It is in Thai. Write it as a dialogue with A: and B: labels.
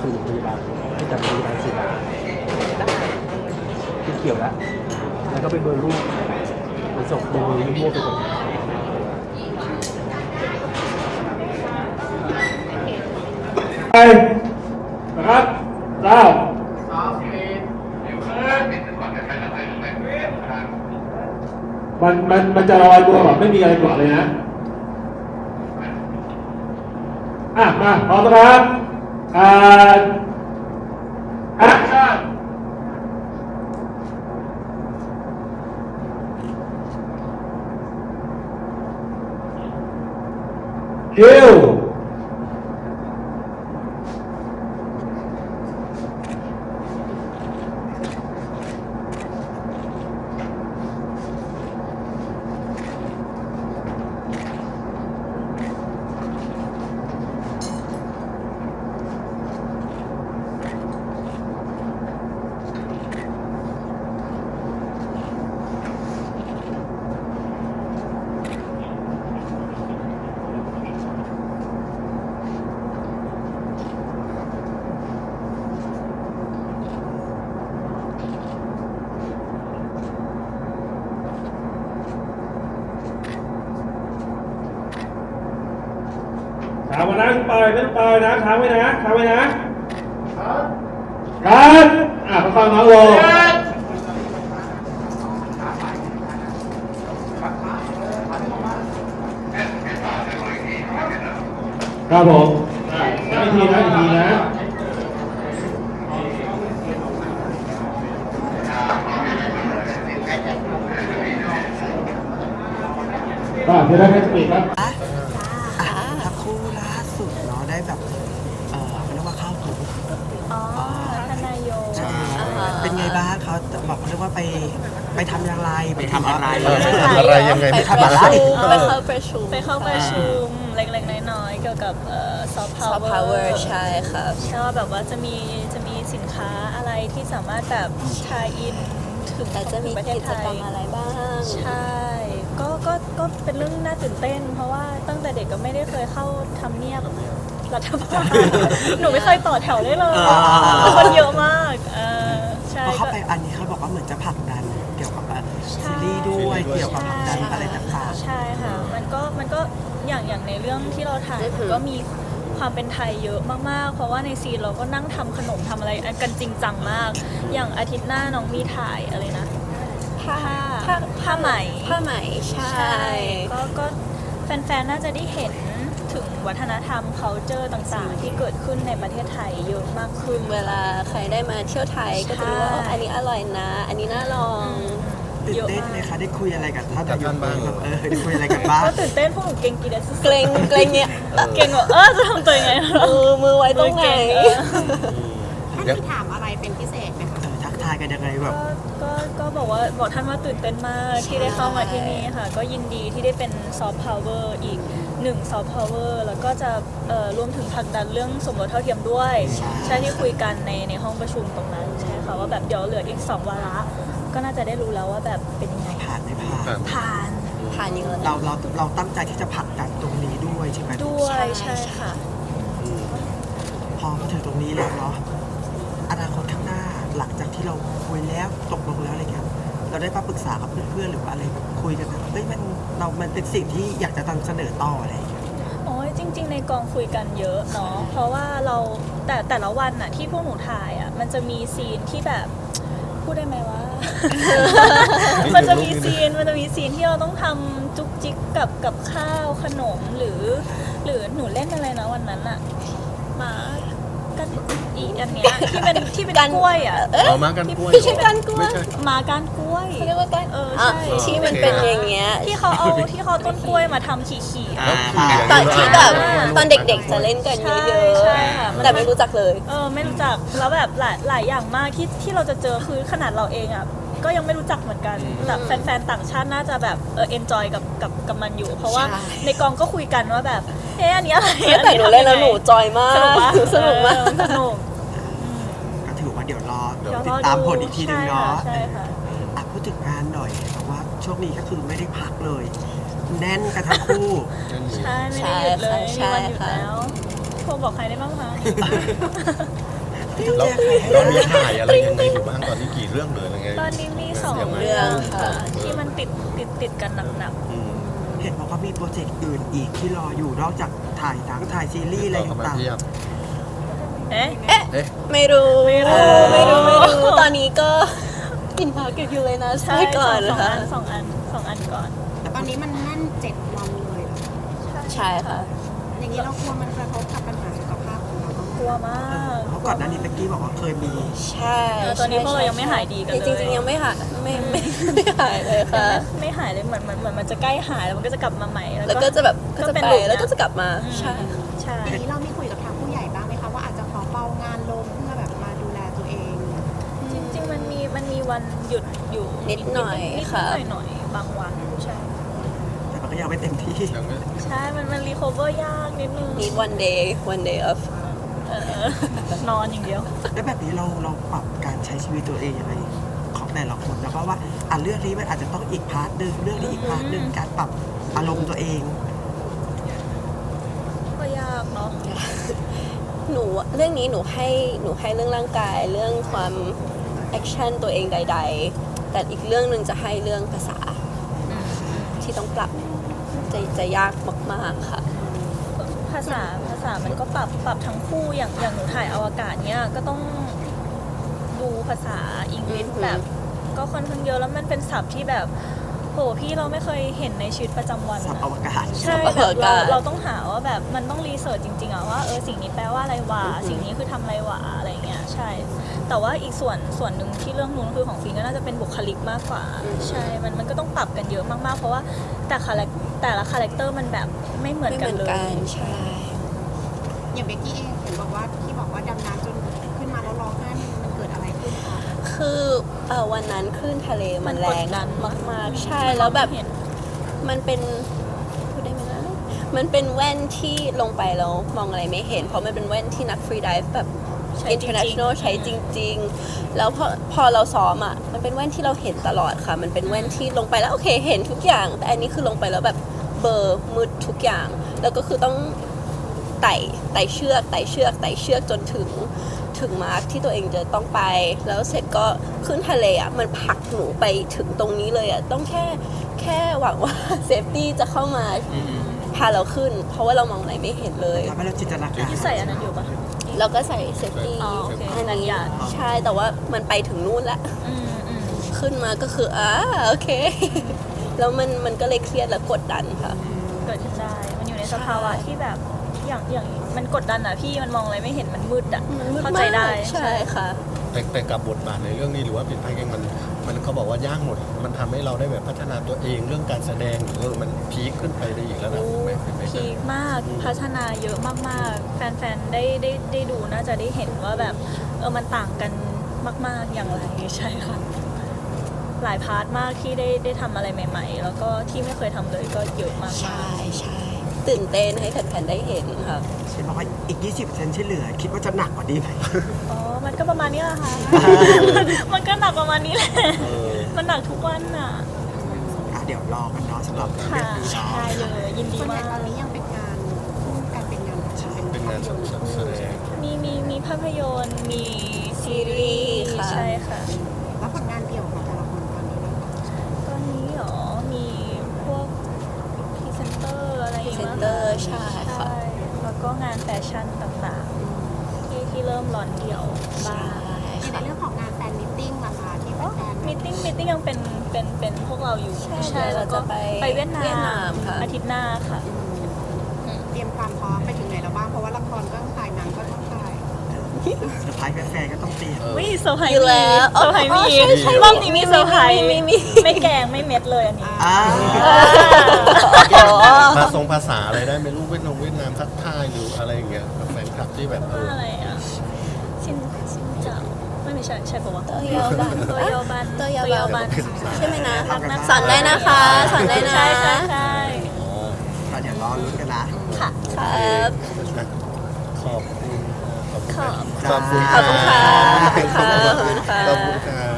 A: สู่โรงพยาบาลให้จัดโรงพยาบาลศิลาได้ที่เกี่ยวแล้วก็เป็นเบอร์ลูกไปส่งโดยมั่วไปหมดไปนะครับเจ้ามันจะลอยตัวแบบไม่มีอะไรเกาะเลยนะมาพร้อมนะครับแอคชั่นคิวค้างไว้นะปล่อยไม่ต้องปล่อยนะค้างไว้นะค้างไว้นะครับฟังน้องโลครับผมอีกทีนะจะได้ให้สปีดครับ
B: ทั้งคู่ล่าสุดเนาะได้แบบเขาเรียกว่าเข้าถึง
C: ทนายโย
B: เป็นไงบ้างเขาบอกเรียกว่าไปทำอย่างไร
D: ไปทำอะไร
B: ยังไง
C: ไป
B: ทำอะไร
C: เข้าประชุมเล็กๆน้อยๆเกี่ยวกับซอฟต์พาวเวอร์ใช่ค่ะใช่ว่าแบบว่าจะมีสินค้าอะไรที่สามารถแบบทายอินถึงจะมีกิจกรรมอะไรบ้างใช่ก็เป็นเรื่องน่าตื่นเต้นเพราะว่าตั้งแต่เด็กก็ไม่ได้เคยเข้าทำเนียบรัฐบาลหนูไม่เคยต่อแถวได้เลยคนเยอะมากใช่
B: พอเข้าไปอันนี้เขาบอกว่าเหมือนจะผลักดันเกี่ยวกับซีรีส์ด้วยเกี่ยวกับผลักดันอะไรต่างๆ
C: ใช่ค่ะมันก็อย่างในเรื่องที่เราถ่ายก็มีความเป็นไทยเยอะมากๆเพราะว่าในซีนเราก็นั่งทำขนมทำอะไรกันจริงจังมากอย่างอาทิตย์หน้าน้องมีถ่ายอะไรนะผ้าไหมใช่ก็แฟนๆน่าจะได้เห็นถึงวัฒนธรรม culture ต่างๆที่เกิดขึ้นในประเทศไทยเยอะมากขึ้นเวลาใครได้มาเที่ยวไทยก็จะรู้ว่าอันนี้อร่อยนะอันนี้น่าลอง
B: ตื่นเต้นไหมคะได้คุยอะไรกันท่านนายกบ้างได้คุยอะไรกันบ้าง
C: ก็ตื่นเต้นพวกหนูเก่งกีฬาเกรงเนี่ยเก่งว่าจะทำตัวยังไงมือไว้ตรงไหน
D: ท่านถามอะไรเป็นพิเศษไหมคะ
B: ทักทายกันยังไงแบบ
C: ก็บอกท่านว่าตื่นเต้นมากที่ได้เข้ามาที่นี่ค่ะก็ยินดีที่ได้เป็นซอฟต์พาวเวอร์อีก1ซอฟต์พาวเวอร์แล้วก็จะรวมถึงผลักดันเรื่องสมรสเท่าเทียมด้วยใช่ที่คุยกันในห้องประชุมตรงนั้นใช่ค่ะว่าแบบเดี๋ยวเหลืออีก2วาระก็น่าจะได้รู้แล้วว่าแบบเป็นยังไง
B: ผ่านไม่ผ่าน
C: เยอะ
B: เราตั้งใจที่จะผลักดันตรงนี้ด้วยใช่ไหม
C: ด้วยใช่ค่ะ
B: พอมาถึงตรงนี้แล้วเนาะอนาคตข้างหน้าหลังจากที่เราคุยแล้วตกลงแล้วอะไรเงี้ยเราได้มาปรึกษากับเพื่อนๆหรือว่าอะไรคุยกันแบบมันเป็นสิ่งที่อยากจะนำเสนอต่ออะไรอย่างเงี้ย
C: โอ้ยจริงๆในกองคุยกันเยอะเนาะเพราะว่าเราแต่ละวันน่ะที่พวกหนูถ่ายอ่ะมันจะมีซีนที่แบบพูดได้ไหมว่า มันจะมีซีนที่เราต้องทำจุกจิกกับข้าวขนมหรือหนูเล่นอะไรนะวันนั้นอ่ะมากันอีอันเนี้ยที่เป็นกล้วยอ่ะ
D: มากันกล้วย
C: ไม่ใช่กันกล้วยมากันกล้วย
E: เรียกว่ากัน
C: ใช่
E: ที่มันเป็นอย่างเงี้ย
C: ที่เขาต้นกล้วยมาทำขี่
E: ตอนที่แบบตอนเด็กๆจะเล่นกันเยอะๆแต่ไม่รู้จักเลย
C: ไม่รู้จักแล้วแบบหลายอย่างมากที่เราจะเจอคือขนาดเราเองอ่ะก็ยังไม่รู้จักเหมือนกันแต่แฟนๆต่างชาติน่าจะแบบenjoy กับมันอยู่เพราะว่าในกองก็คุยกันว่าแบบอันนี้อะไร
E: แต่หนูเล่นแล้วหนูจอยมากสนุกมาก
C: สนุก
B: ก็ถือว่าเดี๋ยวรอติดตามผลอีกทีนึงเนาะ
C: ใช่ค่ะ
B: พูดถึงงานหน่อยเพราะว่าช่วงนี้ก็คือไม่ได้พักเลยแน่นกันทั้งคู่
C: ใช่ไม่ได้หยุดเลยมีวันหยุดแล้วโทรบอกใครได้บ้างคะ
F: เราเรามีถ่ายอะไรยังไงอยู่บ้างตอนนี้กี่เรื่องเลยอะไรไง
C: ตอนนี้มีสอง
E: เรื่องค่ะ
C: ที่มันติดกันหนัก
F: อืม
B: เห็นบอกว่ามีโปรเจกต์อื่นอีกที่รออยู่นอกจากถ่ายหนังถ่ายซีรีส์อะไร
F: เข้ามา
B: ต่าง
F: เทียบ
C: ๆเอ๊ะ
F: เอ๊ะ
E: ไม่รู้
C: ไม่รู้
E: ไม่รู้ตอนนี้ก็กินพักกับยูเลยนะ
C: ใช่
E: ใช่ก่อน
C: สอง
E: ค่ะ
C: อันก่อน
D: แต่ตอนนี้มันแน่น7 วันเลยเหรอ
E: ใช่ค่ะ
D: อย่างนี้เรากลัวมันกระทบกับปัญหาสุขภาพของเราบ้างไหม
C: กลัวมาก
B: เพราะก่อนหน้านี้เป๊กกี้บอกว่าเคยมี
E: ใช่
C: ตอนนี้พวกเรายังไม่หายดีกันเลย
E: จริงๆยังไม่หายไม่หายเลยค่ะ
C: ไม่หายเลยเหมือนมันจะใกล้หายแล้วมันก็จะกลับมาใหม่
E: แล้วก็จะแบบก็จะ
C: เป็น
E: ไป
C: หลุมนะ
E: แล้วก็จะกลับมา
C: อืม
E: ใช่
C: ใช่
D: อย่างนี้เรามีคุยกับทางผู้ใหญ่บ้างไหมคะว่าอาจจะขอเบางานลงเพื่อแบบมาดูแลตัวเอง
C: จริงๆมันมีวันหยุดอยู่
E: นิดหน่อย
C: นิด
E: ค่ะ
C: หน่อยบางวันใช่
B: แต่มันก็ยังไม่เต็มที่
F: ยังไม่
C: ใช่มันรีคอเวอร์ยากนิดนึง
E: need one day off
C: นอนอย่างเดียว
B: แล้วแบบนี้เราปรับการใช้ชีวิตตัวเองยังไงของแต่ละคนนะเพราะว่าเรื่องนี้มันอาจจะต้องอีกพาร์ทหนึ่งเรื่องนี้อีกพาร์ทหนึ่งการปรับอารมณ์ตัวเอง
C: ก็ยากเนาะ
E: หนูเรื่องนี้หนูให้เรื่องร่างกายเรื่องความแอคชั่นตัวเองใด ๆ แต่อีกเรื่องหนึ่งจะให้เรื่องภาษาที่ต้องปรับจะยากมากๆค่ะ
C: ภาษามันก็ปรับทั้งคู่อย่างหนูถ่ายอวกาศเนี้ยก็ต้องดูภาษาอังกฤษ
E: อือหือ
C: แบบ ก็ค่อนข้างเยอะแล้วมันเป็นศัพท์ที่แบบโหพี่เราไม่เคยเห็นในชีวิตประจำวัน
B: สับ
C: อะ
B: อวกาศ
C: ใช่
E: สับ
C: แบ
E: อว
C: บ
E: กาศ
C: เราต้องหาว่าแบบมันต้องรีเสิร์ชจริงๆอะว่าสิ่งนี้แปลว่าอะไรวะสิ่งนี้คือทำอะไรวะอะไรเงี้ยใช่ แต่ว่าอีกส่วนหนึ่งที่เรื่องนู้นคือของฟินก็น่าจะเป็นบุคลิกมากกว่า ใช่มันก็ต้องปรับกันเยอะมากๆเพราะว่าแต่ละคาแรคเตอร์มันแบบไม่เหมือน
E: ไม่
C: กั
E: เห
C: น
E: มือน
C: เลย
E: กันใช่
D: อย่างเบกกี้เองเห็นบอกว่าที่บอกว่าดำน้ำจนขึ้นมาแล้วร้องไห้มันเกิดอะไรขึ้นคะ
E: คือวันนั้นคลื่นทะเลมันแรง
C: มันกดดัน
E: มากๆใช่แล้วแบบ
C: เห็น
E: มันเป็นพูดได้ไหมนะมันเป็นแว่นที่ลงไปแล้วมองอะไรไม่เห็น เพราะมันเป็นแว่นที่นักฟรีไดิฟแบบ
C: ใช้จริงๆ
E: international ใช้จริง ๆ แล้วพอเราซ้อมอ่ะมันเป็นแว่นที่เราเห็นตลอดค่ะ มันเป็นแว่นที่ลงไปแล้วโอเคเห็นทุกอย่าง แต่อันนี้คือลงไปแล้วแบบเบลอร์มืดทุกอย่าง แล้วก็คือต้องไต่เชือกจนถึงมาร์คที่ตัวเองจะต้องไป แล้วเสร็จก็ขึ้นทะเลอ่ะมันผลักหนูไปถึงตรงนี้เลยอ่ะต้องแค่หวังว่าเซฟตี้จะเข้ามาพาเราขึ้น เพราะว่าเรามองอะไรไม่เห็นเลย
B: ทำให้เราจินตนาการ
C: ที่ใส่อันนั้นอยู่ปะ
E: เราก็ใส่เซฟตี้
C: อ๋อโอเค
E: อันนั้น
C: หยาด
E: ใช่แต่ว่ามันไปถึงนู่นแล้ว
C: อืม
E: ขึ้นมาก็คือโอเค แล้วมันก็เลยเครียดและกดดันค่ะ
C: เกิดขึ้นได้ มันอยู่ในสภาวะที่แบบอย่างมันกดดันอะพี่มันมองอะไรไม่เห็นมันมืดอะ
E: มันมืด
C: เข้าใจได้
E: มากใช่ค่ะ
F: แต่กับบทบาทในเรื่องนี้หรือว่าเป็นพระเอกมันเขาบอกว่ายากหมด มันทำให้เราได้แบบพัฒนาตัวเองเรื่องการแสดงหรือมันพีคขึ้นไปได้อีกแล้วนะไม่
C: พีคมากพัฒนาเยอะมากๆ แฟนๆได้ดูน่าจะได้เห็นว่าแบบมันต่างกันมาก ๆอย่างไรใช่ค่ะ หลายพาร์ทมากที่ได้ทำอะไรใหม่ ๆ แล้วก็ที่ไม่เคยทำเลยก็เยอะมาก
E: ใช่ตื่นเต้นให้แฟนๆได้เห็นค่ะ
B: เช่นบอกว่าอีก 20%ที่เหลือ คิดว่าจะหนักกว่านี้ไหม
C: ๆอ๋อมันก็ประมาณนี้แหละค่ะ มันก็หนักประมาณนี้แหละมันหนักทุกวันอะ
B: เดี๋ยวรอกันเนาะสำหรับเรื่
C: ค่ะ
B: องนี้เนาะ
C: ใช่เลยยินดี
D: ส่วนใหญ่
C: มาก
D: ตอนนี้ยังเป็นงานเป็นงาน
F: เป็นงานแสดง
C: มีภาพยนตร์มีซีรีส์
E: ค่ะ
C: ใช่ค่ะ
D: แล้วผลงานเดี่ยวของแต่ละคนตอนนี้นะคะ
C: ตอนนี้เหรอ มีพวกพรีเซนเตอร์อะไรอย่างเงี้ย
E: พรีเซนเตอร์ใช่ค่ะ
C: แล้วก็งานแฟชั่นต่างๆ ที่เริ่มร้อนเดี่ยวบ้าง
D: ในเรื่องของงานแฟนมิทติ้งล่ะคะที่แฟนๆ
C: มิทติ้งยังเป็นพวกเราอยู่
E: ใช่
C: แล้วก็
E: เราจะ
C: ไปเวียดนาม
E: ค่ะ
C: อาทิตย์หน้าค่ะ
D: เตรียมความพร้อมไปถึงไหนแล้วบ้าง เพราะว่าละครก็ต้องถ่ายหนังก็ต้องถ่าย
B: เซอร์ไพรส์แฟนๆก็ต้องเตรียม
C: วิเซอร์ไพรส์
E: อยู่แล้ว
C: เซอร์ไพรส์มี
E: ใช่
C: รอบนี้มีเซอร์ไพรส์
E: มี
C: ไม่แกงไม่เม็ดเลยอันนี้
F: ภาษาอะไรได้ไม่รู้เวียดนามทักทายหรืออะไรอย่างเงี้ยกับแฟนคลับที่แบบ
C: อะไรอ่ะชินเจ้าไม่ใช่ใช่ปะวะ
E: โตโยบัน
C: โตโยบัน
E: โตโยบัน
C: น
E: ใช่ไหมนะ
C: รักนะ
E: สอนได้นะคะสอนได้นะ
C: ใช่ใช่ใช่
B: ก็เดี๋ยวรอลุ้นกันนะ
C: ค่ะ
E: ครับ
F: ขอบคุณ
C: ขอบ
F: ขอบคุณ
E: ขอบคุณค่ะขอบคุณค่ะ
F: ขอบคุณค่ะ